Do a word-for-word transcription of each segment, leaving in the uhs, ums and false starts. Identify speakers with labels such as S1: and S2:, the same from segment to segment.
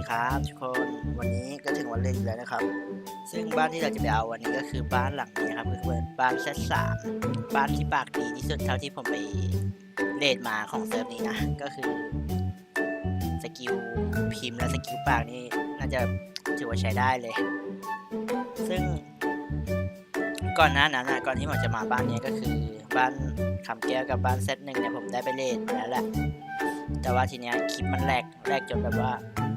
S1: ครับทุกคนวันนี้ก็ถึงวันเล่นแล้วนะครับซึ่งบ้านที่เราจะไปเอาวันนี้ก็คือบ้านหลังนี้ครับก็คือบ้านเซตสามบ้านที่ปากดีที่สุดเท่าที่ผมไปเลดมาของเซิร์ฟนี้นะก็คือสกิลพิมพ์และสกิลปากนี่น่าจะถือว่าใช้ได้เลย ซึ่งก่อนหน้านั้นนะก่อนที่ผมจะมาบ้านนี้ก็คือบ้านคำแก้วกับบ้านเซตหนึ่งเนี่ยผมได้ไปเลดมาแล้วแหละแต่ว่าทีเนี้ยคลิปมันแหลกแหลกจนแบบว่า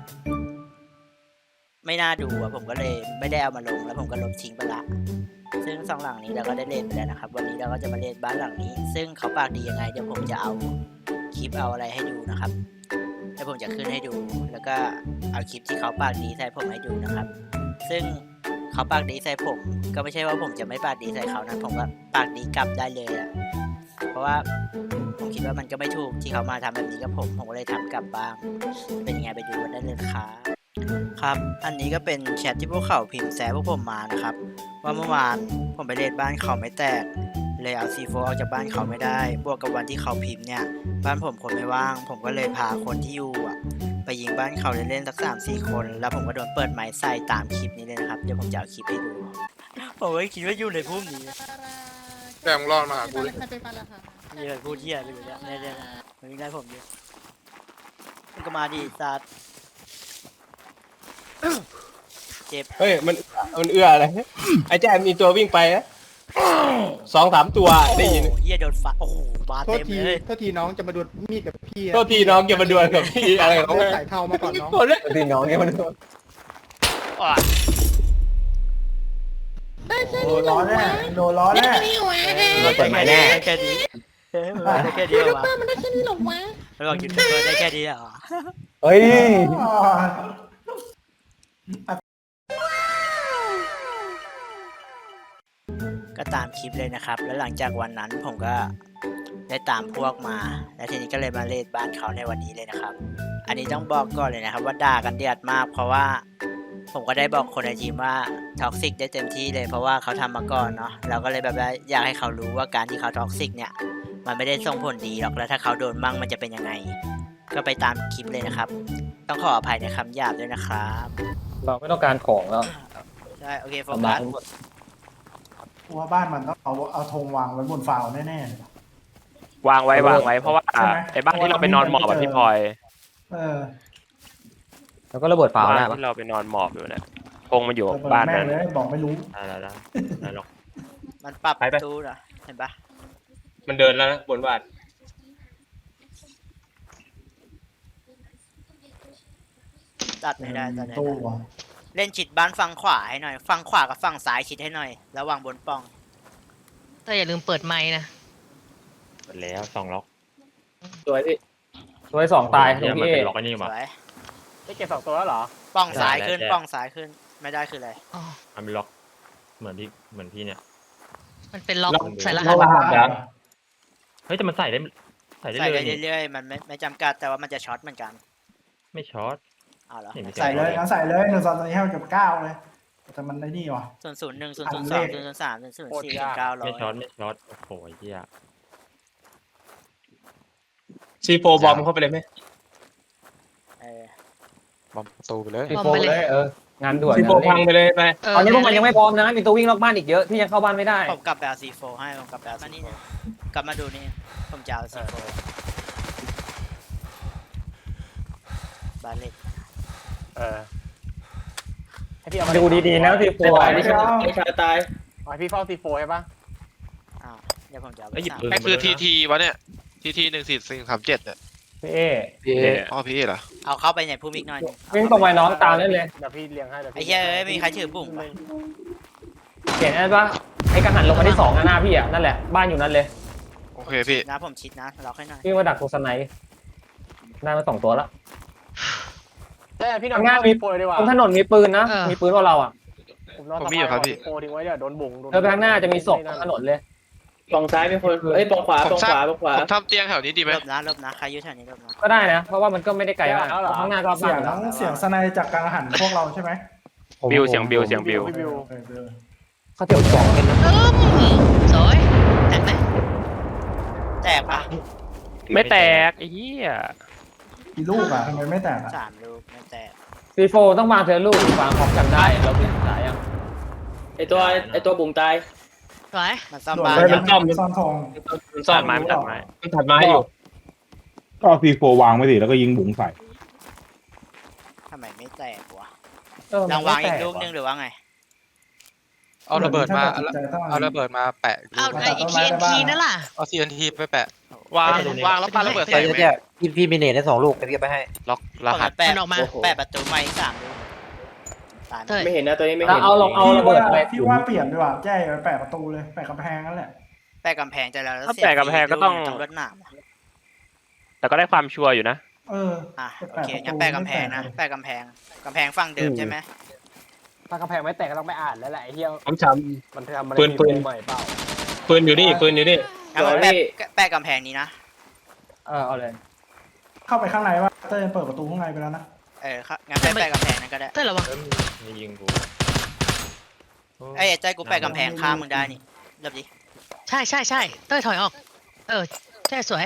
S1: ไม่น่าดูอะผมก็เลยไม่ได้เอามาลงแล้วผมก็ลบทิ้งไปละซึ่งสองหลังนี้เราก็ได้เล่นไปแล้วนะครับวันนี้เราก็จะมาเล่นบ้านหลังนี้ซึ่งเขาปากดียังไงเดี๋ยวผมจะเอาคลิปเอาอะไรให้ดูนะครับเดี๋ยวผมจะขึ้นให้ดูแล้วก็เอาคลิปที่เขาปากดีใส่ผมให้ดูนะครับซึ่งเขาปากดีใส่ผมก็ไม่ใช่ว่าผมจะไม่ปากดีใส่เขานะผมก็ปากดีกลับได้เลยอะเพราะว่าผมคิดว่ามันก็ไม่ถูกที่เขามาทำแบบนี้กับผมผมก็เลยทำกลับบ้างเป็นยังไงไปดูกันได้เลยครับครับอันนี้ก็เป็นแชทที่พวกเขาพิมพ์แซะพวกผมมานะครับว่าเมื่อวานผมไปเลดบ้านเขาไม่แตกเลยเอาซีโฟออกจากบ้านเขาไม่ได้บวกกับวันที่เขาพิมพ์เนี่ยบ้านผมคนไม่ว่างผมก็เลยพาคนที่อยู่อ่ะไปยิงบ้านเขาเล่นๆสักสามสี่คนแล้วผมก็โดนเปิดไม้ใส่ตามคลิปนี้เลยนะครับเดี๋ยวผมจะเอาคลิปให้ดูผมไม่คิดว่าอยู่ในพุ่มนี้
S2: แต่มึงรอดมาหากูเลย
S1: มีอะไรพูดเที่ยอะไรอยู่เนี่ยเนี่ยๆมันวิ่งได้ผมดิมันก็มาดิสัตว์เจ็บ
S3: เฮ้ยมันมันเอื้ออะไรไอ้แจ๊มีตัววิ่งไปนะสองสามตัวได้ยิน
S1: โอ้โหเหี้ยโดนฟันโอ้โหบาด
S4: โทษ
S1: เต็ม
S4: ที
S1: เลย
S4: โทษทีน้องจะมาดวลมีดกับพี่
S3: โทษทีน้องอย่ามาดวลกับพี่อะไรของ
S4: เขา
S3: เขา
S4: ใส่เทามาก่อนน้อง
S3: คนเลยโทษทีน้องอย่ามาดวล
S1: อ่ะ
S5: โดนล้อแน่โดนล้อแน่
S3: เราเปิดใหม่แน่
S1: ได้แค่นี้เฮ้ยมันได้แค่นี้เหรอวะ
S6: มันได้แค่นี้หรอวะ
S1: มันบอกยูทูบเบอร์ได้แค่นี้เหรอ
S3: เฮ้ย
S1: ก็ตามคลิปเลยนะครับ แล้วหลังจากวันนั้นผมก็ได้ตามพวกมา แล้วทีนี้ก็เลยมาเลดบ้านเขาในวันนี้เลยนะครับ อันนี้ต้องบอกก่อนเลยนะครับว่าด่ากันเดือดมาก เพราะว่าผมก็ได้บอกคนในทีมว่าท็อกซิกได้เต็มที่เลยเพราะว่าเขาทำมาก่อนเนาะเราก็เลยแบบว่าอยากให้เขารู้ว่าการที่เขาท็อกซิกเนี่ยมันไม่ได้ส่งผลดีหรอกแล้วถ้าเขาโดนมั่งมันจะเป็นยังไง ก็ไปตามคลิปเลยนะครับ ต้องขออภัยในคำหยาบด้วยนะครับ
S3: เราไม่ต้องการของแล้ว
S1: ใช่โอเคโฟกัส
S5: ว่าบ้านมันต้องเอาเอาธงวางไว้บนฟาวแน่ๆเลยว
S7: างไว้วางไว้เพราะว่า
S5: ใช่ไหม
S7: ไอ้บ้านที่เราไปนอนหมอบแบบพี่พลอย
S5: เออ
S3: แล้วก็ระเบิดฝา
S7: บ้าน
S3: ได้ปะ
S7: ที่เราไปนอนหมอบอยู่เนี่ยคงมาอยู่
S5: เปิด
S7: บ้าน
S5: แม่
S7: นั้
S5: ง
S7: น
S5: เลยบอกไม่รู้
S7: ได้ได้ได้ได้หรอก
S1: มันปรับ
S3: ไปไป
S1: ตู้นะเห็นปะ
S3: มันเดินแล้วนะบนบ้าน
S1: ตัดไม่ได้ตัดไม่
S5: ตู้
S1: ได้
S5: ว่ะ
S1: เล่นชิดบ้านฝั่งขวาให้หน่อยฝั่งขวากับฝั่งซ้ายชิดให้หน่อยระวังบนป้อง
S6: แต่อย่าลืมเปิดไมค์นะ
S7: หมดแล้วสองล็อก
S3: สวยพี่สวยสองตาย
S7: เนี่ย
S3: พี่
S7: มัน
S3: เอ
S7: เป็นล็อกไอ้นี่
S1: ส
S7: มา
S1: วย
S3: ได้เก็บสองตัวแล้วเหรอ
S1: ป้องซ้าย
S7: ได้
S1: ขึ้น
S7: ได้
S1: ป้องซ้ายขึ้นไม่ได้คืออะไร
S6: อ๋อ
S7: มันเป็นล็อกเหมือนพี่เหมือนพี่เนี่ย
S6: มันเป็นล็อก
S3: ล็อก
S6: ใส่ร
S5: โล
S6: หัส
S5: หะเหรอ
S7: เฮ้ยแต่มันใส่ได้ใส่ได้
S1: ใส่
S7: เล
S1: ได้
S7: ยนี่
S1: เรื่อยๆมันไม่ไม่จำกัดแต่ว่ามันจะช็อตเหมือนกัน
S7: ไม่ช็อต
S1: เอาเหรอ
S7: นี่ไม่
S5: ใส่เลยงั้นใส่เลยหนึ่งสองสามสี่ห้าหกเจ็ดเก้าเลยแต่มันไอ้นี่ว่ะ
S1: ศูนย์ศูนย์หนึ่งศูนย์ศูนย์สองศูนย์ศูนย์สามศูนย์ศูนย์สี่ศูนย์เก้าร้อย
S7: ไม่ช็อตไม่ช็อตโอ้โหเหี้ย
S3: ซีโฟบอมเข้าไปเลยไหม
S1: เออบ
S2: อมประตูไปเลย
S3: ซีโฟเลยเอองานด่วนซีโฟพังไปเลยไป
S6: เออ
S3: ตอนนี้พวกมันยังไม่พร้อมนะมีตัววิ่งนอกบ้านอีกเยอะที่ยังเข้าบ้านไม่ได้
S1: ผมกลับไปเอาซีโฟให้ผมกลับไปเอาซีโฟกลับมาดูนี่ผมจะเอาซีโฟบาเล็ต
S7: เออ
S3: ดูดีๆนะซีโฟ
S5: ไม่ใช่
S3: ไม่ใช่ตาย
S1: อ้าวเดี๋ยวผมจะเอาไป
S7: ไอ้ยหยิบ
S1: สาม
S7: ปืน
S2: ไอ้คือทีทีวะเนี่ยทีทีหนึ่งสี่สี่สามเจ็ดเนี่ย
S3: พี่เอ
S7: พี่เอ
S2: อ๋อพี่เหรอ
S1: เอาเข้าไปในภูมิอีกหน่อยหนึ่ง
S3: วิ่งตรงไปน้องตามได้เลย
S1: ไอ้เหี้ยเอ้ยมีใครถือปุ่มปะ
S3: เห็นไหมว่าไอ้กังหันลงมาที่สองหน้าพี่อ่ะนั่นแหละบ้านอยู่นั่นเลย
S2: โอเคพี่
S1: นะผมชิดนะเราค่อยหน่อย
S3: วิ่งมาดักตัวสไนป์ได้มาสองตัวแล้ว
S8: แต่พี่หน่อย
S3: ข้างหน้ามี
S8: โปรยดีกว่า
S3: ตรงถนนมีปืนนะมีปืนว่าเราอ่ะ
S8: ผมนอน
S2: ผมมีอยู่ครับพี่
S8: โปรทิ้งไว้เดี๋ยวโดนบุ๋งโดน
S3: เธอไปข้างหน้าจะมีศพถนนเลย
S9: ปองซ้ายเป็นคนเอ้ยปองขวา
S2: ผม
S9: ปอง
S2: ส
S9: ข
S2: ร้าง
S9: วาปองขวา
S2: ผมทำเตียงแถวนี้ดีไหม
S1: ลบนะลบนะใครอยุ่แถวนี้ลบนะ
S3: ก็ได้นะ เพราะว่ามันก็ไม่ได้ไกลมากข้างหน้าก็
S5: เสียงทั้งเสียงสไนจากกลางหันพวกเราใช่ไหม
S7: บิวเสียงบิวเสียงบิว
S8: บิว
S5: เออเออ
S3: เขาเที่ยวสองกันนะ
S6: เอิ่มสวยแตกไหม
S1: แตกปะ
S7: ไม่แตกไอ้เหี้ย
S5: กี่ลูกอ่ะทำไมไม่แตกอ่ะ
S1: สามลูกไม่แตก
S9: ซีโฟต้องวางเธอลูกวางของจำได้เราเป็นสายยังไอตัวไอตัวบุ๋งตาย
S6: สวย
S1: มันซ่อม
S5: โดด
S1: บ้าน
S5: ไป
S1: ยั
S5: มั
S1: ง
S5: นซ่อมซ่อมทอง
S3: มันซ่อ
S7: ตั
S3: ม
S7: ดไม้มันตัดไม้
S3: มันถัดไม้อยู่
S10: ก็เอาซีโฟวางไว้สิแล้วก็ยิงบุ๋งใส่
S1: ทำไมไม่แตกวะ
S9: เออ
S1: ลองวางอีก
S9: มันไม่แต
S1: ลูกนึงหรือว่าไง
S11: เอาระเบิดมา
S5: ถ้ตัดสินใจต้อง
S11: เอาระเบิดมาแปะ
S6: เอาไอ้ทีเอ็นทีนั่นล่ะ
S11: เอา ที เอ็น ที ไปแปะ
S2: วางวางแล้วปาระเบิดใส่ไหม
S4: พี่พี่มีเนตได้สองลูกเดี๋ยวไปให้
S11: ล็อกรหัส
S1: แปะ
S6: มันออกมา
S1: แปะประตูไม้สามลูกตายไหม
S6: เต้ย
S9: ไม่เห็นนะตัวนี้ไม่
S3: เอา
S9: เห็น
S3: เอาลองเอา
S5: พี่
S3: ระเบิ
S5: ว่า
S3: ดอะไร
S5: พี่ว่าเปลี่ยนดีกว่าแจ้ไปแปะประตูเลยแปะกำแพงนั่นแหละ
S1: แปะกำแพงใจแล้วแล้ว
S7: ถ้า
S1: เสีย
S7: แปะกำแพงก็ต้อง
S1: ต้องรถหนาม
S7: แต่ก็ได้ความชัวร์อยู่นะ
S5: เออ
S1: อ่ะโอเคงั้นแปะกำแพงนะแปะกำแพงกำแพงฝั่งเดิมใช่ไหม
S8: ถ้ากระแพงไม่แตกก็ต้องไปอ่านแล้วแหละไอ้เหี้ย
S3: ผมช้
S8: มันทำอะไร
S3: ปืนปืน
S8: ใหม่เปล่า
S3: ำปืนอยู่นี่ปืนอยู่นี่
S1: งั้นมันแปะแปะกำแพงนี้นะ
S9: เออเอาเลย
S5: เข้าไปข้างในว่าเต้ยเปิดประตูข้างในไปแล้วนะ
S1: เออครับงั้นแปะแปะกำแพงนั้นก็ได้
S6: เต้ยระวัง
S7: เอ้ยมียิงกู
S1: ไอ้ยใจกูแปะกำแพงข้ามมึงได้นี่เริ่มดิ
S6: ใช่ใช่ใช่เต้ยถอยออก เออใช่สวย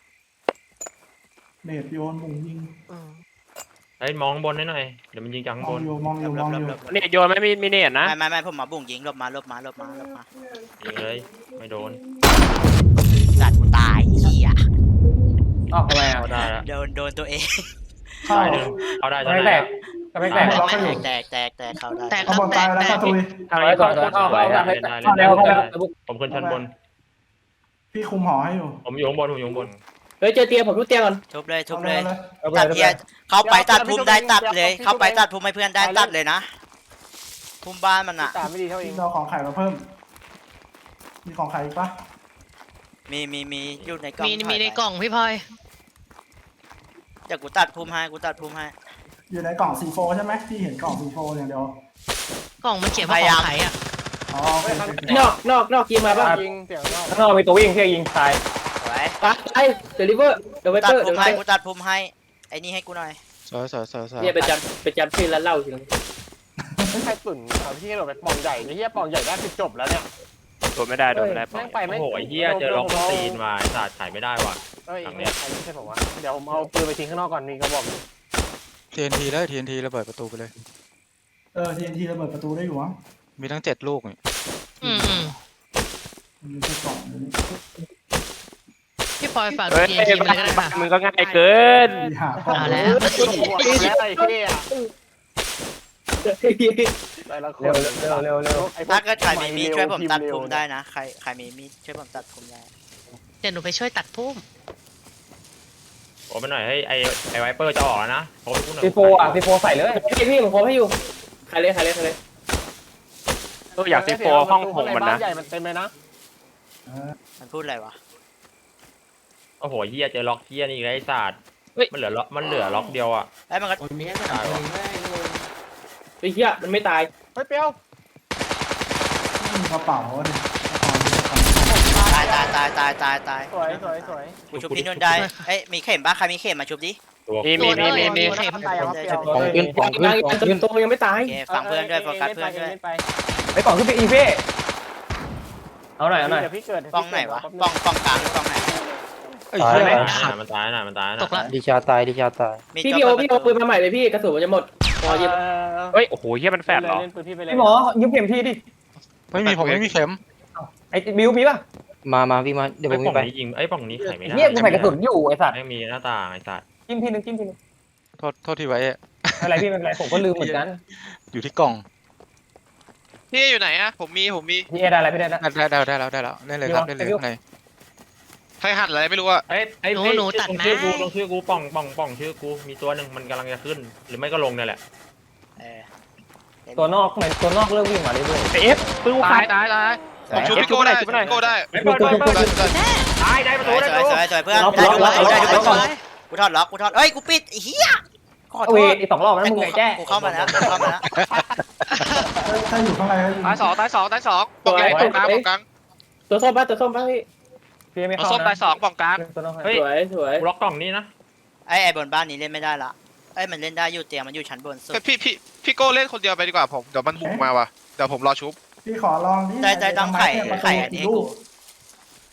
S5: เนตโยนมุงยิง
S7: เฮ้ยมองบนให้หน่อย เดี๋ยวมันยิงจากข้าง
S5: ม
S7: บ
S5: อง
S7: น
S5: อยู่มองอยู่มองอยู่
S7: นี่โยนไม่มีมีเนตนะ
S1: ไม่ไม่ไม่ผมมาบุ่งยิงหลบมาหลบมาหลบมาหลบมา
S7: ยิงเลยไม่โดน
S1: สัตว์กูตายเหี้ย
S9: ออกทำไมอ่ะ
S7: เอาได้ละ
S1: โดนโดนตัวเอง
S5: เข้า
S7: ได้หนึ่งเอาได้
S9: กระ
S7: จะ
S9: แพงแต
S7: ได้
S9: กกระแพงแตก
S5: ล็อกให้อยู่
S1: แตกแตกแตกเข้าได้
S6: แตกค
S5: เอา
S6: รับบ
S5: อล
S6: แต
S5: ตาย
S6: ก
S5: ไปแล้ว
S6: แต
S5: เข้าก ตุย
S7: ทางนี้สองคน
S9: เอา
S7: สวย
S9: เอา
S7: ได้
S9: เอา
S7: เล่นได้
S9: เอา
S7: เล่น
S9: แล้ว
S7: ได้
S9: เอาแล้ว
S7: ผมขึ้นชั้นบน
S5: พี่คุมหอให้อยู่
S7: ผมอยู่ข้างบนผมอยู่ข้างบน
S9: เฮ้ยเจอเตียงผมทุบเตียงก่อน
S1: ทุบเลยทุบ
S5: เอา
S1: เลย
S5: เลย
S9: เอาไป
S1: ตัด
S9: เอา
S1: เที
S9: ไป
S1: ยเข้าไปตัดภูมิได้ตัดเลย เข้าไปตัดภูมิให้เพื่อนได้ตัดเลยนะภูมิบ้านมันอ่ะ
S8: ตาไม่ดีเท่าเอ
S5: พี่
S8: ง
S5: เราของไข่มาเพิ่ม มีของไข่อีกปะ
S1: มีมีมีอยู่ในกล่อง
S6: มีมีในกล่องพี่พลอย
S1: เดี๋ยวกูตัดภูมิให้กูตัดภูมิให้
S5: อยู่ในกล่องซีโฟใช่ไหมพี่เห็นกล่องซีโฟอย่างเดียว
S6: กล่องมันเขียนว่าของขายอ่ะ
S5: อ๋อโอเคโอเค
S9: นอกนอกนอกยิงมาป่ะ
S8: ยิงเสียงนอก
S3: ข้างนอกมีตัววิ่งที่ยิงตาย
S1: สวย
S9: ตายเดลิเวอร์เดลิเว
S1: ตัด
S9: อร์
S1: ภู
S9: เด
S1: มิ
S9: ลิเว
S1: ให้
S9: อ
S1: กู
S9: ร์
S1: ตัดภูมิให้ไอ้นี่ให้กูหน่อย
S11: สวยสวยสวยสวย
S9: เนี่ยไปจำไปจำชื่อแล้วเล่าทีนึง
S8: ไม่ใช่ตุ่นเอาพี่กระโดดไปปองใหญ่ไอ้เหี้ยปองใหญ่ได้คือจบแล้วเนี่ย
S7: โดนไม่ได้โดนไม่ได้
S8: แม่งไปไม่
S7: โอ้โหไอ้เหี้ยเจอล็อกตีนมาไอ้สัตว์ถ่ายไม่ได้ว่ะ
S8: เอ้ย
S7: หลัง
S8: ไม่
S7: เนี้ย
S8: ใช่ผมว่าเดี๋ยวผมเอาปืนไปทิ้งข้างนอกก่อนมีกระบอก
S11: ที เอ็น ที เลย ที เอ็น ที ระเบิดประตูไปเลย
S5: เออทีนทีระเบิดประตูได้อยู่มั้ง
S11: มีทั้งเจ็ดลูกนี่
S6: อืมอืม
S5: มีแค่กล่องเดียวนี่
S6: พี่พลอยฝาก
S7: เฮ้ย
S6: ทีเอ็นทีมาเลยก็ได้ค่ะ
S7: มึงก็ง่ายเกิน
S5: มีหากล่อง
S6: เอาแล้ว
S8: แล้วไอ้เหี้ยแต่ละคน
S3: เร็วเร็วเร็วเร็ว
S8: ไอ้พว
S1: ถ้าเกิดใครมีมีดช่วยผมตัด
S8: พิ
S1: ภู
S8: พ์
S1: มิ
S8: เร็ว
S1: ได้นะใครใครมีมีดช่วยผมตัดภูมิได้
S6: เดี๋ยวหนูไปช่วยตัดพุ่ม
S7: โอ้ไปหน่อยให้ไอ้ไอ้ไวเปอร์จะออกแล้วนะโอ้ไปพูดหน่อย
S3: ซีโฟอ่ะซีโฟใส่เลย
S9: พี่พี่ผมพร้อมให้อยู่ใครเลยใครเลยใครเลย
S7: เอออยากซีโฟห้องผมมันนะ
S8: บ้าใหญ่มันเต็มเลยนะ
S5: เออ
S1: มันพูดอะไรวะ
S7: โอ้โหเฮียเจอล็อกเฮียนี่อีกแล้วไอ้สัตว์มันเหลือล็อกมันเหลือล็อกเดียวอ่ะ
S1: ไอ้ยมันก็
S7: ตายว่ะ
S9: ไอ้เหี้ยมันไม่ตาย
S8: เฮ้ยเปียว
S5: ไม่มีกระเป๋าดิ
S1: ตายตายตายตายตายตาย
S8: สวยสวยสวย
S1: กูชุบพี่นุ่นได้เอ้ยมีเข็มปะใครมีเข็มมาชุบดิ
S7: ตัว
S2: มีมีมีมีมี
S6: เข็ม
S8: ตายแล้วเปียว
S3: ของขึ้นของขึ้น
S9: ตาย
S3: ของขึ้น
S9: ตัวยังไม่ตาย
S1: โอเคฟังเพื่อนด้วยโฟกัสเพื่อนด้วย
S8: ไป
S3: ไปกล่องขึ้นไปอีเฟ่เอาหน่อยเอาหน่อย
S8: เดี๋ยวพี่เกิด
S1: ป้องไหนวะป้องป้องกลางหรือป้องไหน
S11: เอ้ย
S3: ตาย
S11: เหี้ย
S3: ไหม
S7: ตายนะมันตายนะมันตายนะ
S6: ตกละ
S3: ดิชาตายดิชาตาย
S1: มี
S9: พี่
S1: จ
S9: พี่โอ
S1: อบ
S9: พี่โอปืนมาใหม่เลยพี่กระสุนมันจะหมดพอยิง
S7: เฮ้ยโอ้โหเฮียมันแฟดเหรอ
S8: เล่นปืนพี่ไปเลย
S3: พี่หมอยืมเข็มทีดิ
S11: ไม่มีผมไม่มีเข็ม
S3: ไอ้บิวมีป่ะมามาพี่มาเดี๋ยวผ
S7: ไอ้
S3: ม
S7: ป่อง
S3: ไป
S7: นี้ยิงไอ้ป่องนี้ไขไม่ได้
S3: เฮียกูใส่กระสุนอยู่ไอ้สัตว์
S7: ไม่มีหน้าต่างไอ้สัตว์
S3: จิ้มทีนึงจิ้มทีนึง
S11: โทษโทษทีไว้อะ
S3: อะไรพี่ไม่เป็นไรผมก็ลืมเหมือนกัน
S11: อยู่ที่กล่อง
S2: พี่อยู่ไหนอะผมมีผมมี
S3: พี่เอได้อะไรพี่ได้แล้ว
S11: ได้ได้ได้แล้วได้แล้วได้เลยครับได้เลยข้างใน
S2: ใครหัดอะไรไม่รู้อะ
S7: เอ้ยไอ้
S6: หนู
S7: เฮ้ย
S6: หนูตัด
S7: ลง
S6: ไม้
S7: ชื่อกูลงชื่อกูป่องป่องป่องชื่อกูมีตัวหนึ่งมันกำลังจะขึ้น หรือไม่ก็ลงเนี่ยแหละ
S1: เออ
S3: ตัวนอกเหมือนตัวนอกเริ่มวิ่งมาเรื่อย
S7: เอฟปืน
S2: ตายตายตายผมชูพี่โก้ได้ชูพี่โก้ได้
S7: เปิดเปิดเปิด
S2: ได้
S7: ตายได้ประ
S1: ส
S7: ตู
S1: วย
S7: ได้
S1: ส
S7: ประ
S1: วย
S7: ตู
S1: สวยสวยเพื่อนได้ดูได้ดูได้ดูก่อนกูถอดล็อกกูถอดเอ้ยกูปิดไอ้เหี้ยขอ
S3: ๆ
S1: โท
S3: เอาเว
S1: ษ
S3: อีกสองรอบแล้วมึงไงแจ้
S1: กูเข้ามาแล้วกูเข้ามาแล้ว
S5: ถ้าอยู่ข้างในก็ยิง
S2: ตายสองตายสองตายสองปองใหญ่ปองกลางปองกลาง
S9: ตัวส้มป่ะตัวส้มป่ะพี่
S3: พี่ไม่
S2: เอา
S3: เข้า
S2: ส้มตายสองปองกลาง
S3: ตัวนอก
S7: เฮ้ย
S9: สวยสวย
S7: ล็อกกล่องนี้นะ
S1: ไอ้ไอ้บนบ้านนี้เล่นไม่ได้ละไอ้มันเล่นได้อยู่เตียงมันอยู่ชั้นบนสุด
S2: พี่พี่พี่โก้เล่นคนเดียวไปดีกว่าผมเดี๋ยวมันบุกมาว่ะเดี๋ยวผมรอชุบ
S5: พี่ขอลองดิ
S1: ได้ได้ต้องไข่ไข่อันนี้ให้กู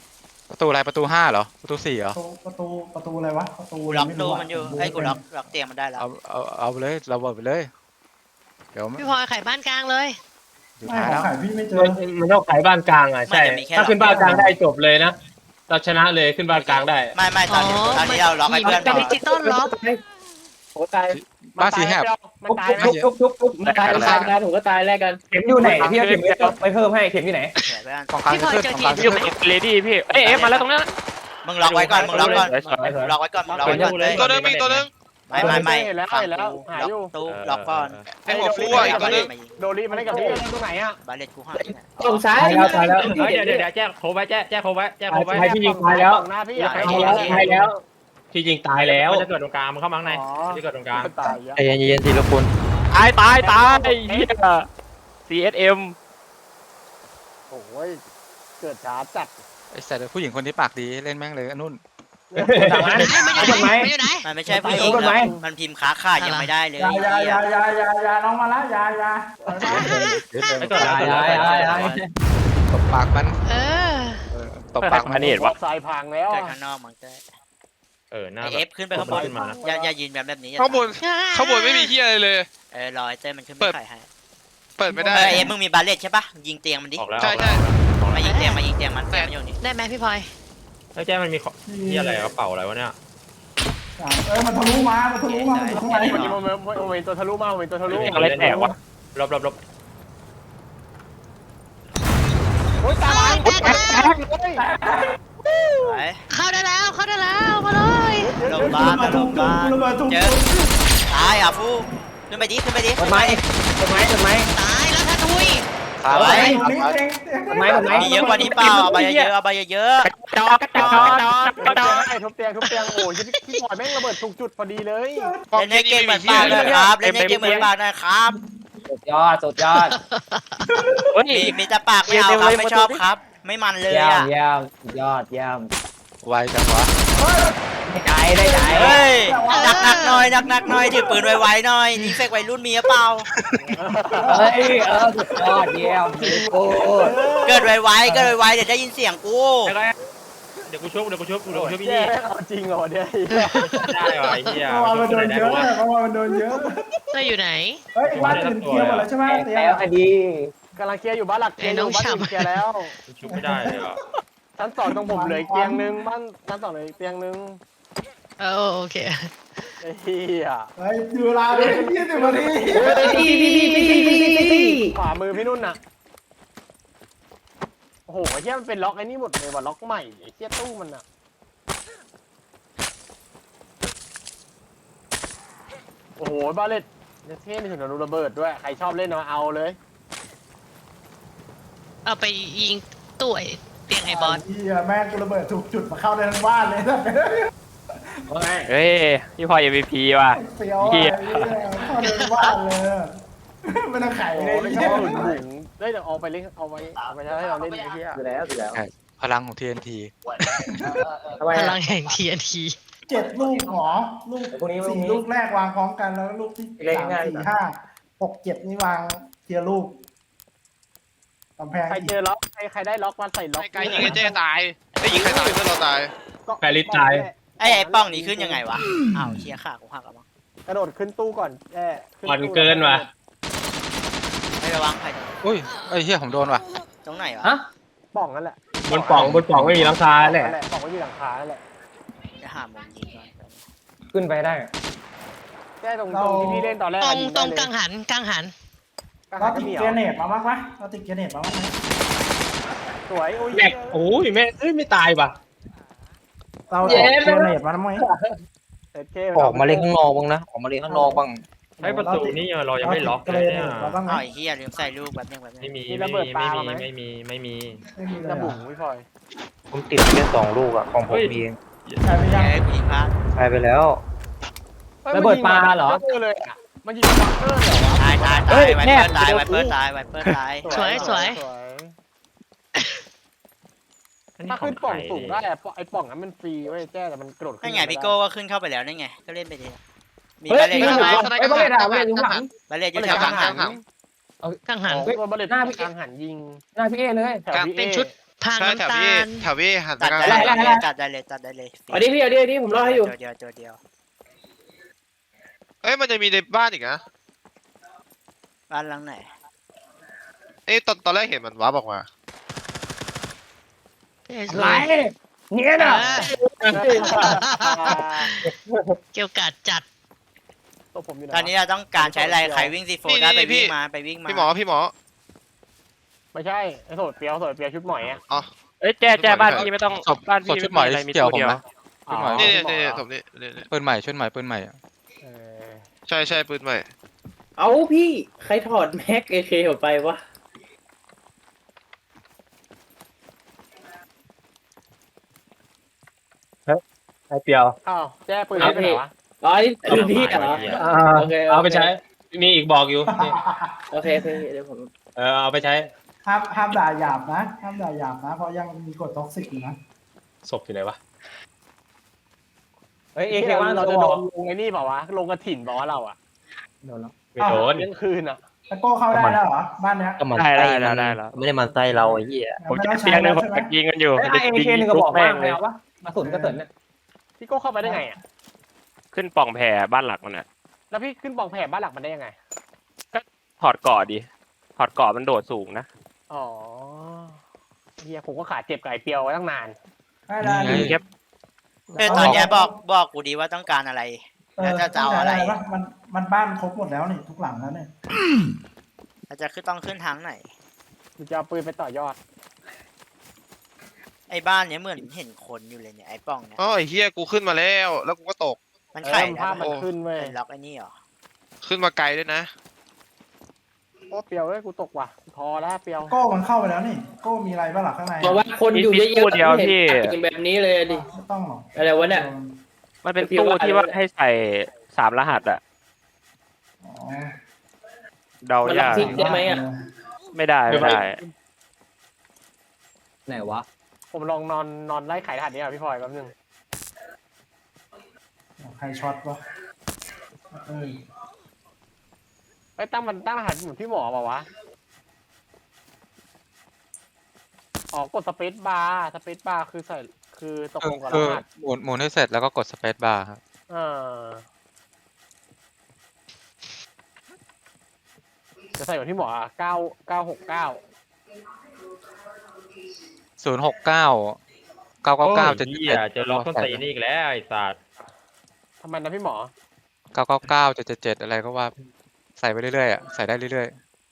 S11: ประตูอะไรประตูห้าเหรอประตูสี่เหรอ
S5: ประตูประตูประตูอะไรวะประตู
S1: กูล็อก
S5: ไม่
S1: ตู้
S5: รู้ะ
S1: มันอยู่
S5: ดู
S1: ไอ้ยกู
S5: ม่
S1: ล็อก
S5: เป็น
S1: ล็อกเตียงมันได้แล้ว
S11: เอาเอาเอาไปเลยเราบอกไปเลยเดี๋ยว
S6: พี่พลอยไข่บ้านกลางเลย
S11: สุด
S5: ไม่
S11: ท้าย
S5: ขอ
S11: แล้ว
S5: งขายพี่ไม่เจอ
S3: มันมันต้องขายบ้านกลางอ่ะใช่ถ้าขึ้นบ้านกลางได้จบเลยนะเราชนะเลยขึ้นบ้านกลางได้
S1: ไม่ไม่ตอนนี้
S6: อ๋อ
S1: ตอนนี้เราล็อกให้เพื่อน
S6: เป็น
S1: ก่อ
S6: ดิ
S1: น
S6: จิตอลล็อก
S3: โอ้ตาย
S11: บ้านสีแหบ
S8: มันตายไหม
S3: ทุบทุบทุบทุบตายตายตายผมก็ตายแลกกันเข็มอยู่ไหนพี่เอาเข็มไปเพิ่มให้เข็มอยู่ไหน
S1: เดี๋ยวเพื่อน
S11: ของกลาง
S6: พี่พลอย
S11: ขึ้น
S6: เจอ
S11: ของ
S6: ที
S11: กลาง
S6: ม
S11: ขึ้น
S7: เลดี้พี่เอ้ยเอฟมาแล้วตรงนั้น
S1: มึงล็อกไว้ก่อนมึงล็อกก่อน
S3: สวยสวย
S1: มึงล็อกไว้ก่อนมึงล็อกไว้ก่อนเลย
S2: ตัวนึงมีตัวนึง
S1: ไม่ไม่ไม่
S8: เห็นแล้ว
S1: ฟัง
S8: เห็นแล้ว
S1: กู
S8: หา
S1: ล็
S8: อยู่
S1: อกตู้ล็อกก่อน
S2: ไอ้หัวฟูอ่ะอีกตัวนึง
S1: มายิง
S8: โดรีมาได้กับพี่ตรงไหนอ่ะ
S1: บาเลตกูหาย
S3: ตรงซ้ายแล้วตายแล้ว
S7: เฮ้ยเดี๋ยวเดี๋ยวเดี๋ยวแจ้งโคไว้แจ้งแจ้งโคไว้แจ้งโคไว้
S3: ตายพี่ยิงตายแล้ว
S8: ฝั่งหน้าพี่อ่ะ
S3: ตายแล้วตายแล้วพี่ยิงตายแล้ว
S7: มันจะเกิดตรงกลางมันเข้ามาข้างในมันจะเกิดตรงกลาง
S8: ตายอ่ะ
S4: ใจเย็นๆทีละคน
S7: ตายตายตายไอ้เหี้ย ซี เอส เอ็ม
S8: โอ้ยเกิดช้าจัด
S11: ไอ้แต่ผู้หญิงคนที่ปากดีเล่นแม่งเลยอันนุ่น
S3: ทางนั้น
S6: ไอ้มันอยู่ไหนมันอยู่ไหน
S1: มันไม่ใช่ผู้หญิง
S3: ไปไหม
S1: แล้วมันพิมพ์ค้าขาดยังไม่ได้เลย
S5: ยายายายายายาน้องมาละยายา
S7: ไม่เกิดแล้วเกิดแล้วเกิดแล้ว
S11: ตบปากมัน
S6: เออ
S11: เออตบปากมัน
S8: วัดทรายพังแล้ว
S1: เกิดข้างนอกมันก็
S7: เออหน้า
S1: ไอ
S7: แบ
S1: เอบ ฟขึ้นไปข้างบน
S7: ขึ้นมา
S1: อย่าอย่ายืนแบบแบบนี้อย่
S2: ข้างบนข้างบนไม่มีเฮียอะไรเลย
S1: เออรอไอเต้ยมันขึ้นไป
S2: เปิด
S1: ไข่ให้
S2: เปิดไม่
S1: เอ
S2: ได้
S1: อเอฟมึงมีบาเลตใช่ปะยิงเตียงมันดิ
S7: ออกแล้ว
S2: ใช่ใช่
S1: มายิงเตียงมายิงเตียงมันเตียงมันอยู่นี่
S6: ได้ไหมพี่พลอย
S7: แล้วแจ้งมันมีของที่อะไรกระเป๋าอะไรวะเนี่ย
S5: เออมันทะลุมามันทะลุมาอยู่ข้างใน
S8: เมื่อกี้โมเมนต์โมเมนต์ตัวทะลุมาโมเมนต์ตัวทะลุ
S7: อะไรแตกวะลบลบลบ
S8: โอ้ยตาย
S6: แตกแล้ว
S1: ไป
S6: เข้าได้แล้วเข้าได้แล้วมาเลย
S1: ลงบ้านนะลงบ้าน
S5: ระเบิดทุก
S1: เจอตายอ่ะฟูขึ้นไปดิขึ้นไปดิ
S3: กดไม้กดไม้กดไม้
S6: ตายแล้วท่าทุย
S11: ขา
S1: เอา
S11: ไว้
S1: ไว้
S3: กดไม้กดไม้
S1: มีเยอะกว่านี้เปล่าเอาไปเยอะเอาไปเยอะ
S7: จอกกระจอกกระจอกกระจอก
S8: ทุบเตียงทุบเตียงโอ้ยพี่พลอยแม่งระเบิดถูกจุดพอดีเลย
S1: เล่นให้เก่งเหมือนปากนะครับเล่นให้เก่งเหมือนปากนะครับ
S3: สุดยอดสุดยอด
S7: เฮ้ย
S1: มีมีแต่ปากไม่เอาครับไม่ชอบครับ ไม่มันเลย
S3: เยี่ยม
S1: อ่ะ
S3: เยี่ยมสุดยอดเยี่ยม
S11: ไวจังวะ
S3: ได้ใจได้ใจ
S1: เฮ้ยหนักหนักๆหน่อยหนักหนักๆหน่อยถือปืนไวๆหน่อยนี่เฟกวัยรุ่นมีหรือเปล่า
S3: เฮ้ยเออสุดยอดเยี่ยมโอ้ย
S1: เกิดไวๆเกิดไวๆเดี๋ยวได้ยินเสียงกู
S7: เดี๋ยวกูชุบเดี๋ยวกูชุบเดี๋ยวกูชุบพี่
S8: แย่
S7: นี่
S8: เอาจริงเหรอเนี่ย
S7: ได้ว่ะไอ้เหี้ย
S5: เพราะว่ามันโดนเยอะเพราะว่ามันโดนเยอะ
S6: เต้ยอยู่ไหน
S5: เฮ้ยบ้านอื่นเคลียร์หมดแล้วใช่ไหมเตีย
S3: แล้วคดี
S8: กำลังเคลียร์อยู่บ้านหลักเคลียร์อยู่บ้านอื่นเคลียร์แล้ว
S7: ชุบไม่ได้เลยอ่ะ
S8: ชั้นสองตรงผมเหลืออีกเตียงนึงบ้านชั้นสองเหลืออีกเตียงนึง
S6: เออโอเค
S8: ไอ้เหี้ย
S5: เฮ้ยดูเวลาเลยยี่สิบนาที
S8: ขวามือพี่นุ่นน่ะโอ้โหไอ้เหี้ยมันเป็นล็อกไอ้นี่หมดเลยว่ะล็อกใหม่ไอ้เหี้ยตู้มันน่ะโอ้โหบาเลตเนี่ยเท่มีถึงโดนระเบิดด้วยใครชอบเล่นมาเอาเลย
S6: เอาไปยิงตู้ไอ้เตียงไอ้บอส
S5: เฮียแม่งกูระเบิดถูกจุดมาเข้าในทั้งบ้านเลยนะ
S7: เฮ้ยพี่พลอย เอ็ม วี พี ว่ะ
S5: เฟี้ยวอ่ะเข้าในทั้งบ้านเลยไม่ต้องไข
S8: โอ้
S5: เลย
S8: โหไม่ชอบหนุนบุ๋งเฮ้ยเดี๋ยวเอาไปเล่นเอาไว้เอาไปให้เราเล่นไอ้เหี้ย
S3: อยู่แล้วอยู่แล้ว
S11: พลังของ ที เอ็น ที
S3: ทำไม
S6: พลังแห่งทีเอ็นที
S5: เจ็ดลูกหรอลูกสี่ลูกแรกวางพร้อมกันแล้วลูกที่สามสี่ห้าหกเจ็ดนี่วางเทียลูกกำแพง
S8: ใครเจอล็อกใครใครได้ล็อกมาใส่ล็อก
S2: ไกลยิงไอ้เจ๊ตายไอ้ยิงใครตายเพื่อนเราตาย
S3: แปริตาย
S1: ไอ้ไอ้ป้องนี่ขึ้นยังไงวะอ้าวเชียร์ขากูหักแล้วมั้ง
S8: กระโดดขึ้นตู้ก่อนแอบขึ้
S3: อ่อน
S8: ตู้
S3: เกินว่ะ
S1: ไม่ระวังใคร
S11: อุ้ยไอ้เหี้ยผมโดนว่ะ
S1: ตรงไหนวะ
S3: ฮะ
S8: ป่องนั่นแหละ
S3: บนป่องบนป่องไม่มีหลังคาแหละ
S8: นั่นแหละป่องไม่มีหลังคานั่นแหละ
S1: จะหามุมยิงก่อน
S3: ขึ้นไปได้
S8: แค่ตรงตรงที่พี่เล่นตอนแรก
S6: ตรง
S8: ยิ
S6: ตรง
S8: ได้
S6: กังหันกังหัน
S8: เลย
S5: เราติดเกรเนตมาบ้างปะเราติดเกรเนตมาบ้างไหม
S8: สวยโอ้ย
S3: แม็กโอ้ยแม่เอ้ยไม่ตายป่ะ
S5: เราติดเกรเนตมาบ้างไหม
S8: เอ็ดเค
S4: ออกมาเล่นข้างนอกบ้างนะออกมาเล่นข้างนอกบ้าง
S7: ไอ้ประตูนี่เรายังไม่ล็อก
S5: เก
S7: เล
S5: ร
S7: ย
S5: เน
S7: เนี่ย
S5: ตมาบ้างไหม
S1: อ้าวไอ้เฮียลืมใส่ลูกแบบนึงแบบนึ
S7: ไม่
S1: ง
S7: มีไม่มีไม่มีไม่มีไม่มี
S5: ไม่มีเลย
S8: ระบุ
S5: อะ
S8: พี่พลอย
S4: ผมติดแค่สองลูกอะของผมเอง
S5: ใช่ไปยัง
S1: ไอ้ผู้หญิงพลาด
S4: ตายไปแล้ว
S3: ระเบิดปลาเหรอ
S8: มันยิงเลยอะมันยิงบังเกอร์เหรอวะ
S1: ตายตาย
S3: เฮ้
S1: ตาย
S3: ย
S1: ไว
S3: แน่
S1: เปอร์ตาย
S3: เดี๋ยว
S1: ไวเปอร์ตายไวเปอร์ตาย
S6: สวยสวย
S8: ถ้าขึ้นป่องสูงได้อะไอ้ป่องนั้นมันฟรีเว้ยแจ้แต่มันกระโดดขึ้น
S1: นั่นไงพี่โก้ก็ขึ้นเข้าไปแล้วนั่นไงก็เล่นไปดิมี
S3: เฮ้ย
S1: บาเลต
S3: ไม่
S1: อยู่
S3: ได้
S1: ไหม
S3: ไอ้บอลเลยถามเลยอยู่หลัง
S1: บาเลตอ
S8: มั
S1: ยู่
S8: น
S1: แถ
S8: จะ
S1: ว
S8: กั
S1: กลาง ง
S8: หั
S1: หั
S8: น
S1: น
S6: กังหัน
S8: ตัวบอลเลต
S3: หน้าพี่
S8: กลางหันยิง
S3: หน้าพี่เอเลย
S8: แถวพี่
S6: เป็น
S8: เอ
S6: ชุดทาง
S2: ใช่แถว
S6: น้ำตา
S2: พี่
S6: ล
S2: แถวพี่หันไป
S1: ตัด
S2: กลาง
S1: ได้
S2: ถนน
S1: เลยตัดได้เลยตัดได้เลย
S9: เอาดิพี่เอาดิเอาดิผมรอให้อยู่
S1: ตัวเดียวตัวเดียว
S2: เอ้ยมันจะมีในบ้านอีกนะ
S1: บ้านหลังไหน
S2: เอ้ยตอนตอนแรกเห็นมันว้าบออกมา
S6: อะไร
S5: เนี่ยนะ
S6: เกี่ยวกัดจัด
S8: ตัวผมอยู่ไหน
S1: ตอนนี้เราต้องการใช้อะไรใครวิ่งซีโฟ
S2: นี่
S1: ได้ไป
S2: นี่พี่
S1: วิ่งมาไปวิ่งมา
S2: พี่หมอพี่หมอ
S8: ไม่ใช่ไอ้โสดเปียวโสดเปียวชุดหมอยอ่ะ
S2: อ๋อ
S7: เอ้ยแจ้แจ้บ้านพี่ไม่ต้อง
S11: ศพ
S7: บ้าน
S11: ศ
S7: พี่
S11: พชุดหมอย
S7: อะไรมี
S11: เกี่ยว
S7: ตัว
S11: ผม
S7: เดียว
S11: ไหม ชุดหมอย
S2: นี่
S8: อ๋อ
S2: นี่นี่
S8: หมอ
S2: ผมนี่นี่นี่
S11: ปืนใหม่ชุดใหม่ปืนใหม่อะ
S8: เออ
S2: ใช่ใช่ปืนใหม่
S9: เอาพี่ใครถอดแม็กเอเคออกไปวะ
S3: ไอเปียว
S8: อ้าวแจ้ปืนไปไหนวะ
S9: อ๋อนี่คือพี่เหรอ
S3: อ่า
S9: โอเค
S3: เอาไปใช้ มีอีกบอกอยู่นี่
S9: โอเคโอเคเดี๋ยวผม
S3: เออเอาไปใช้
S5: ห้ามห้ามด่าหยาบนะห้ามด่าหยาบนะ เพราะยังมีกฎท็อกซิกอยู่นะ
S3: ศพอยู่ไหนวะ
S8: เฮ้ยเอเคว่าเราจะโดนลงไอ้นี่เปล่าวะลงกระถิ่นเปล่าวะเราอ่ะ
S3: ไม่โดน
S8: เที่ยงคืนอ่ะ
S5: ตะโก้เข้าได้แล้วเหรอ บ้านเนี้ย
S4: ก็มัน
S7: ได้
S4: ไส้
S7: ได้
S4: มัน
S7: ได้แล้ว
S4: ไม่ได้มันไส้เราไอ้เหี้ย
S7: ผม
S5: ไม่
S7: จะ
S5: ต้อง
S7: เตี
S5: ใช้
S7: ยงหนึ
S5: แล้
S7: ง
S5: ว
S7: ผม
S5: ใช่ไหม
S7: จะยิงกันอยู่
S9: ไอเอเคหนึ่งกระบอกว่างเลยเอาวะมาสุนก็เสร็จเนี่ย
S8: พี่โก้เข้าไปได้ไงอ่ะ
S7: ขึ้นปล่องแผ่บ้านหลักมันอ่ะ
S8: แล้วพี่ขึ้นปล่องแผ่บ้านหลักมันได้ยังไง
S7: ถอดเกาะดิถอดเกาะมันโดดสูงนะ
S8: อ๋อเฮียผมก็ขาเจ็บไก่เปียวไว้ตั้งนาน
S5: ได้ได้
S11: นี่
S7: ยิงแค่
S1: เออตอนเนี้ยบอกบอกกูดีว่าต้องการอะไร
S5: เอ
S1: แล้
S5: อ
S1: วจะจะเอาอะไร
S5: วมันมันบ้านครบหมดแล้วนี่ทุกหลังแล้วเนี่ย
S1: เราจะขึ้นต้องขึ้นทางไหน
S8: กูจะเอาปืนไปต่อยอด
S1: ไอ้บ้านเนี้ยเหมือนเห็นคนอยู่เลยเนี่ยไอ้ป้องเนี่ย
S2: อ๋อไอ้เฮียกูขึ้นมาแล้ว แล้วกูก็ตก
S1: มัน
S8: เออ
S1: ไข่
S8: มัน
S1: นะ
S8: ภาพมันขึ้นเว้ย
S1: ไอ้ล็อกไอ้นี่เหรอ
S2: ขึ้นมาไกลด้วยนะ
S8: โอ้เปียวเว้ยกูตกว่ะพอแล้วเปียว
S5: โก้มันเข้าไปแล้วนี่ โก้มีอะไรบ้างหลักข้างใน
S9: เพราะว่าคนอยู่เยอะ
S7: ตู้เดียว
S9: ๆไม่
S7: พี่
S9: เห็นเป็นแบบนี้เลยดิ
S5: ไม่ต้องหรอก
S9: อะไรวะเนี่ย
S7: มันเป็นตู้ที่ว่าให้ใส่สามรหัสอ่ะ
S5: อ๋อ
S7: เดา
S9: มัน
S7: ยาก
S9: รับทิกได้ไหมอ่ะ
S7: ไม่ได้ไม่ได้
S9: ไหนวะ
S8: ผมลองนอนนอนไล่ไข่รหัสนี้อ่ะพี่พลอยแป๊บนึง
S5: ใครช็อตวะเออ
S8: ไอ้ยตั้งมันตั้งรหัสเหมือนพี่หมอเปล่าวะอ๋อกดสเปซบาร์สเปซบาร์คือใส่คือตกลงกับร
S11: คือ
S8: หัส
S11: หมุนหมุนให้เสร็จแล้วก็กดสเปซบาร์ครับ
S8: เออจะใส่เหมือนพี่หมออ่ะเก้าเก้าหกเก้า
S11: ศูนย์หกเก้าเก้าเก้าเก้าจะ
S7: เหี้ยเจอล็อกต้นตีนอีกแล้วไอ้สัตว์
S8: ทำไมนะพี่หมอ
S11: เก้าเก้าเก้าจะเจ็ดเจ็ดอะไรก็ว่าใส่ไปเรื่อยๆอ่ะใส่ได้เรื่อย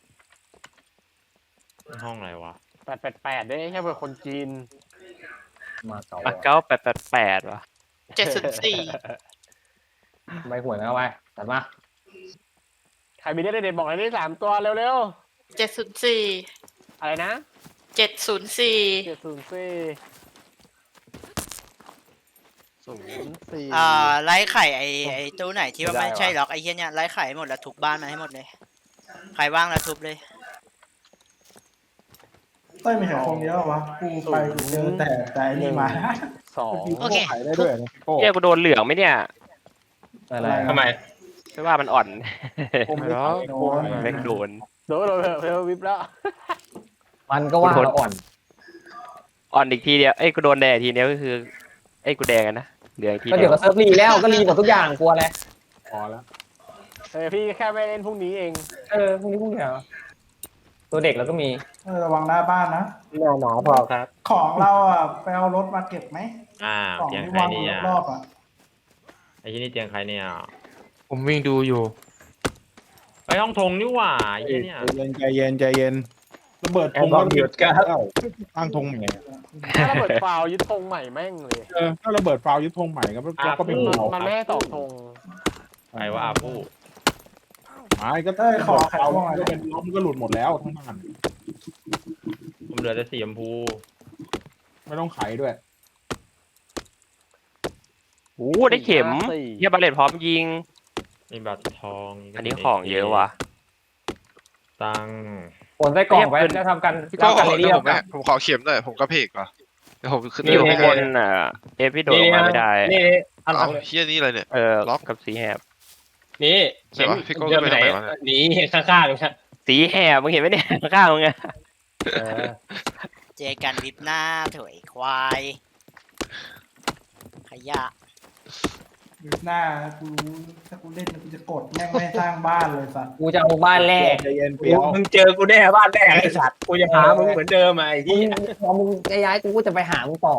S7: ห้องอะไรวะ
S8: แปดแปดแปดได้แค่เป็นคนจีน
S9: มาต่อ
S7: อ่ะเก้าแปดแปดแปดวะ
S6: เจ็ดศูนย์สี่
S9: ใบหวยนะไปตัดมา
S8: ใครมีได้เด็ดๆบอกเลยได้สามตัวเร็ว
S6: เจ็ดศูนย์สี่
S8: ๆ อะไรนะ
S6: เจ็ดศูนย์สี่
S8: เจ็ดศูนย์สี่ศูนย์สี่
S1: อ่าไล่ไข่ไอ้ไอ้ตู้ไหนที่ว่าไม่ใช่ล็อกไอ้เหี้ยเนี่ยไล่ไข่ให้หมดแล้วทุบบ้านมาให้หมดเลยใครว่างแล้วทุบเลย
S5: เต้ยมีแค่คนเดียวเหรอวะกูไปเจอแต่แต่ไอ้นี่มา
S8: สอง
S6: โอเค
S10: ขายได้ด้วยนะพี่โก้
S7: เหี้ยกูโดนเหลืองไหมเนี่ย
S9: อะไร
S3: ทำไม
S7: ไม่ว่ามันอ่อน
S5: ผมไม่
S7: แล้ว
S5: โดน
S7: แม่งโดน
S8: โดนโดนเพลวิบแล้ว
S9: มันก็ว่าเราอ่อน
S7: อ่อนอีกทีเดียวเอ้ยกูโดนแดงทีเดียวก็คือเอ้ยกูแดงกันนะเหลืองอีกที
S9: ก็
S7: เดี
S9: เดี๋
S7: ย
S9: ยว วก็เซิร์ฟรีแล้วก็รีหมดทุกอย่างกลัวอะไร
S3: พอแล้ว
S8: เออพี่แค่ไม่เล่นพรุ่งนี้เอง
S9: เออพวกนี้พวกนี้เหรอตัวเด็กแล้วก็มี
S5: เออระวังหน้าบ้านนะ
S3: หน่อหนอพอครับ
S5: ของเราอ่ะไปเอารถมาเก็บไหม
S7: อ่า
S5: ของ
S7: เตียง
S5: ที่
S7: ใคร
S5: วาง
S7: เนี่
S5: อยู่
S7: ย
S5: รอบๆอ่ะ
S7: ไอ้ที่นี่เตียงใครเนี่ย
S11: ๆ ผมวิ่งดูอยู่
S7: ไปห้องทงนี่หว่าไอ้เหี้ยเนี่ย
S10: ใจเย็นใจเย็นใจเย็นระเบิดธง
S3: แอร์บอมหยุดครับ
S10: ตั้งธงใหม่อะ
S8: ถ้าระเบิดฟาวยึดธงใหม่แม่งเลย
S10: เออถ้าระเบิดฟาวยึดธงใหม่ก็ก็ก็เป็น
S8: มัน
S10: หัว
S8: มันไม่ให้สองธง
S7: ใครว่าอาผู้
S10: ไม้ก็
S5: เต้ยขอไข่
S10: ฟาว
S5: ม่วงหน่อย
S10: ก็เป็นล้มก็หลุดหมดแล้วทั้งบ้าน
S7: ผมเหลือแต่สีชมพู
S10: ไม่ต้องไขด้วย
S7: โอ้ได้เข็มเฮียบาเลตพร้อมยิง
S2: นี่บัตรทอง
S7: อันนี้ของเยอะว่ะ
S2: ตัง
S9: ผลไส้กรอกไว้จะทำกัน
S2: พี่โก้
S9: ทำกัน
S2: ขอ
S9: ใน
S2: เดี๋
S9: นี้
S2: ยว
S9: แล้
S2: ผม
S9: ว
S2: แม่ผมขอเข็มหน่อยผมกระเพกก่อนเดี๋ยวผมขึ้น
S7: มีอยู่ข้างบนอ่ะเอฟพี่โดดลงมาไม่ได้
S3: นี่อันหลั
S2: เอา
S3: งเลย
S2: เฮียนี่อะไรเนี่ย
S7: เออ
S2: ล็อก
S7: กับสีแหบ
S3: นี่
S2: เดี๋ยววะพี่โก้
S3: เดินไปไหน
S2: ไปทางไหนวะเนี่ย
S3: หนีข้างๆเลยครับ
S7: สีแหบมึงเห็นไหมเนี่ยข้างๆมึงอะ
S3: เออ
S1: เจอกันวิบหน้าเถอยควาย ขยะ
S5: ดูหน้ากูรู้ถ้ากูเล่นกูจะกดแม่งไม่ให้สร้างบ้านเลยสัตว์
S9: กูจะเอาบ้านแรก
S3: ใจเย็นเปียวมึงเจอกูแน่บ้านแรกไอ้สัตว์กูจะหามึงเหมือนเดิมไอ้
S9: มึ
S3: ที่
S9: งพอมึงจะย้ายกูก็จะไปหามึงต่อ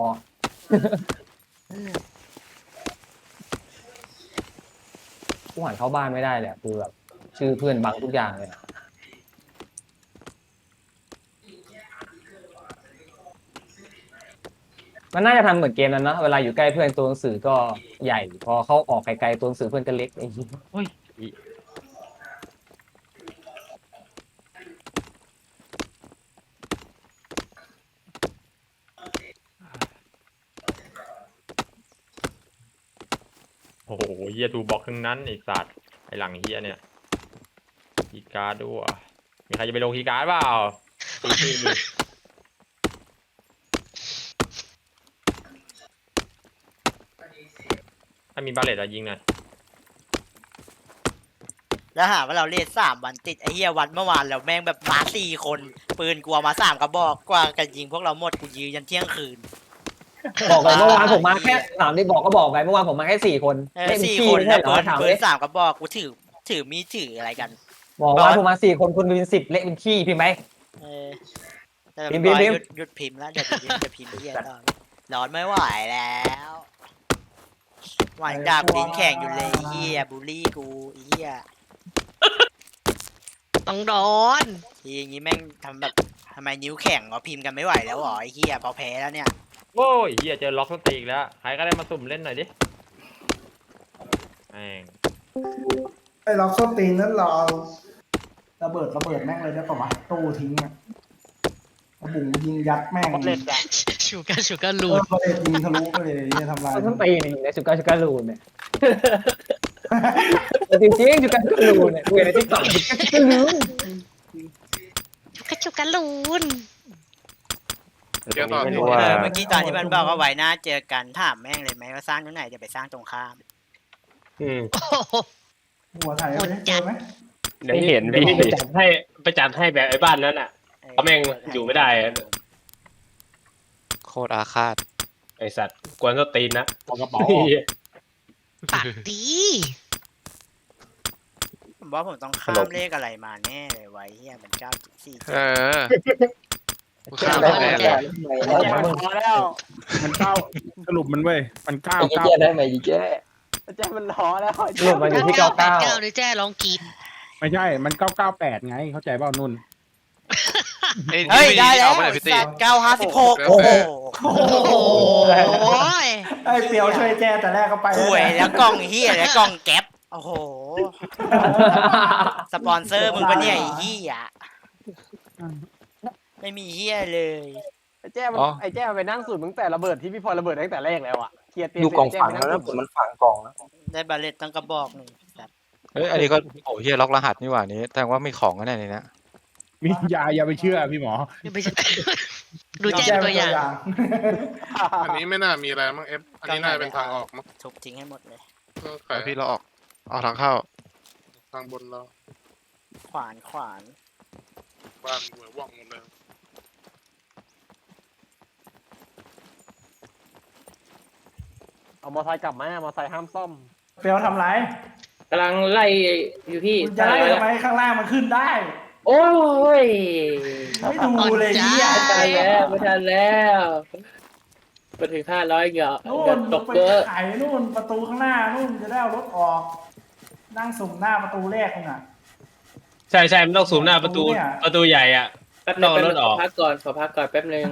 S9: กูหันเข้าบ้านไม่ได้เลยอะคือแบบชื่อเพื่อนบังทุกอย่างเลยอะมันน่าจะทำเหมือนเกมนั้นนะเวลาอยู่ใกล้เพื่อนตัวหนังสือก็ใหญ่ พอเขาออกไกลๆตัวหนังสือเพื่อนก็เล็กไอ้เหี้ย
S7: เฮ้ย โอ้โหเฮียทูบอกทั้งนั้นไอสัตว์ไอหลังเฮียเนี่ยคีย์การ์ดด้วยมีใครจะไปลงคีย์การ์ดเปล่าตีตีดิถ้ามีบาเลตอะยิงหน่อย
S1: แล้วหาว่าเราเล่นสามวันติดไอ้เหี้ยวันเมื่อวานเราแม่งแบบมาสี่คนปืนกลัวมาสามกระบอกกว่ากันยิงพวกเราหมดกูยืนยันเที่ยงคืน
S9: บอกเลยเมื่อวานผมมาแค่สามที่บอกก็บอกไปเมื่อวานผมมาแค่สี่คน
S1: เออ
S9: เล่น
S1: สี่
S9: ขี้
S1: คน
S9: ไม่ใช่
S1: แล้ว
S9: เหร
S1: ปื
S9: อน ถาม
S1: ปื
S9: เล
S1: น
S9: ย
S1: สามกระบอกกูถือถือมีดถืออะไรกัน
S9: บอกว่าผมมาสี่คนคุณเป็นสิบเละเป็นขี้พิมพ์ไหม
S1: เออแต่
S9: พิมพ์
S1: บอย
S9: พิมพ์
S1: หยุดหยุดพิมพ์แล้วเดี๋ยวเดี๋ยวจะพิมพ์เหี้ยต่อร้อนไม่ไหวแล้วหวานดาบตีนแข่งอยู่เลยไอ้เหี้ยบูลลี่กูไอ้เหี้ย
S6: ต้องโดน
S1: ทีอย่างงี้แม่งทำแบบทำไมนิ้วแข็งเหรอพิมพ์กันไม่ไหวแล้วเหรอไอ้เหี้ยพอแพ้แล้วเนี่ย
S7: โอ้ยเฮียเจอล็อกสตีอีกแล้วใครก็ได้มาสุ่มเล่นหน่อยดิแม่ง
S5: ไอ้ล็อกโซตีนนั้นเราเอาระเบิดระเบิดแม่งเลยได้ปะวะตู้ทิ้งอะกระบุ๋งยิงยัดแม่ง
S8: เล่นอะ
S6: ชูการชูการ
S5: เอ
S6: ลู
S5: อ
S6: ด
S5: ประเด็นยิงทะลุไปเลยเนี่ยทำลาย
S9: มันต้องตีนี่ในสุก้าสุก้าลูนเนี่ยจริงจริงสุก้าสุก้าลูนเนี่ยกูเห็นในทิกตอกสุก้าสุก้าลูน
S6: ชูการชูการลูน
S2: เดี๋ยวต่อ
S4: ไม่
S2: ที่
S4: รู้
S1: เอ
S4: ว่า
S1: อเมื่อกี้ตอนที่มันบอกว่าไว้หน้าเจอกันถามแม่งเลยไหมว่าสร้างตรงไหนเดี๋ยวไปสร้างตรงข้าม
S3: อืม
S6: โอ้โห
S5: หัวไทยเอาไปเจอไหม
S3: เดี๋ยวเห็นพี่ไปจัดให้ไปจัดให้แบบไอ้บ้านนั้นอ่ะ เขาแม่งอยู่ไม่ได้อะ
S11: โคตรอาฆาต
S3: ไอ้สัตว์กวนสตีนนะ
S10: เอากระเป๋า
S6: ปากดี
S1: ผมว่าผมต้องข้ามเลขอะไรมาแน่เลยไว้เฮียมันเก้าสี่
S11: เออกูข้ามไปแน่เลย
S8: แจ้มันพอแล้ว
S10: มันเก้าสรุปมันเว้ยมันเก้า
S4: ไอ้
S10: เก้า
S4: เจ๊ได้ไหมอีเจ๊
S8: แจ้มันล้อแล้ว
S9: รวมมาอยู่ที่เก้า
S6: แปด
S9: เก้า
S6: เก้าเลยแจ้ร้องกรีด
S10: ไม่ใช่มันเก้าเก้าแปดไงเข้าใจเปล่านุ่น
S2: เอ้ย
S1: เฮ้ยได้แล้ว
S2: เอาไปไหนพี่ตี
S1: เก้าห้าสิบหก
S2: โอ้
S1: โอ้
S2: โห
S1: โห
S6: โอ้ย
S5: ไอ้เปียวช่วยแจ้แต่แรกก็ไป
S1: ป่วยแล้วกล้องเฮียแล้วกล้องแก๊ปโอ้โหสปอนเซอร์มึงปะเนี่ยไอ้เฮียไม่มีเฮียเลย
S8: ไอ้แจ้มันไอ้แจ้มันไปนั่งสูตรมึงแต่ระเบิดที่พี่พลอยระเบิดตั้งแต่แรกแล้วอ่ะเคลียร์เตียง
S4: ดูกล่อง
S8: แจ้
S4: ฝัง
S8: ไป
S4: แล้ว
S8: นั่
S4: นะ
S8: ง
S4: ผ
S8: สู
S4: ม
S8: ตร
S4: มันฝังกล่องนะ
S1: ได้บาเลตตั้งกระบอกหนึ่งสัตว์
S11: เฮ้ยอันนี้ก็โอ้เฮียล็อกรหัสนี่หว่านี้แต่ว่ามีของกันแน่เลยนะ
S10: มียาอย่าไปเชื่อพี่หมอ
S6: ไม่ใช่ดูแจ้เป็นตัวอย่าง
S2: อันนี้ไม่น่ามีอะไรมั้งเอฟอันนี้น่าจะเป็นทางออกมั้ง
S1: ทุบทิ้งให้หมดเลย
S2: ก็
S11: ไป
S2: ขาย
S11: พี่เราออกออกทางเข้า
S2: ทางบนเรา
S1: ขวานขวาน
S2: บ้านหัวว่องหมดเลย
S8: เอามอไซค์กลับมามอไซค์ห้ามซ่อม
S5: เปียวทำไร
S9: กำลังไล่อยู่พี่
S5: คุณจะไล่ทำไมข้างล่างมันขึ้นได้
S9: โอ้ย
S5: ไม่ดูเลยเฮีย
S9: ไม่ทันแล้วไม่ทันแล้วมาถึงห้าร้อยเหรอ
S5: นู่
S9: เดี๋ย
S5: น
S9: วตก
S5: ไป
S9: เยอะ
S5: ไขนู่นประตูข้างหน้านู่นจะได้เอารถออก นั่งสุ่มหน้าประตูแรกนู่นน่ะ
S3: ใช่ใช่มันต้องสูมหน้าประตู
S5: เนี่ย
S3: ประตูใหญ่อ่ะ
S9: แป๊บ
S3: ต้
S9: นึ
S3: อง
S9: ง
S3: เอารถออก
S9: ขอพักก่อนขอพักก่อนแป๊บนึง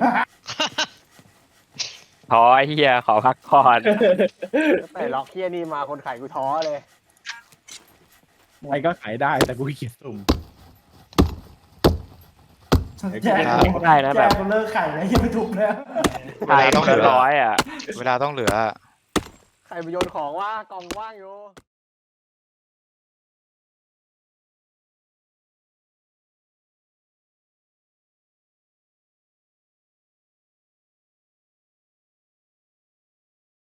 S4: ท้อเฮียขอพักก่อน
S8: แต่ล็อกเฮียนี่มาคนขายกูท้อเลย
S10: ใครก็ขายได้แต่กูขี้เกียจสุ่ม
S5: แจ้
S4: ได้นะแบบ
S5: แจ้กูเลิกไข่แล้วยังไม่ถูกแล้ว
S11: เวลาต้องเหลือ
S4: ร้อยอ่ะ
S11: เวลาต้องเหลือ
S8: ใครไปโยนของว่ากล่องว่างอยู่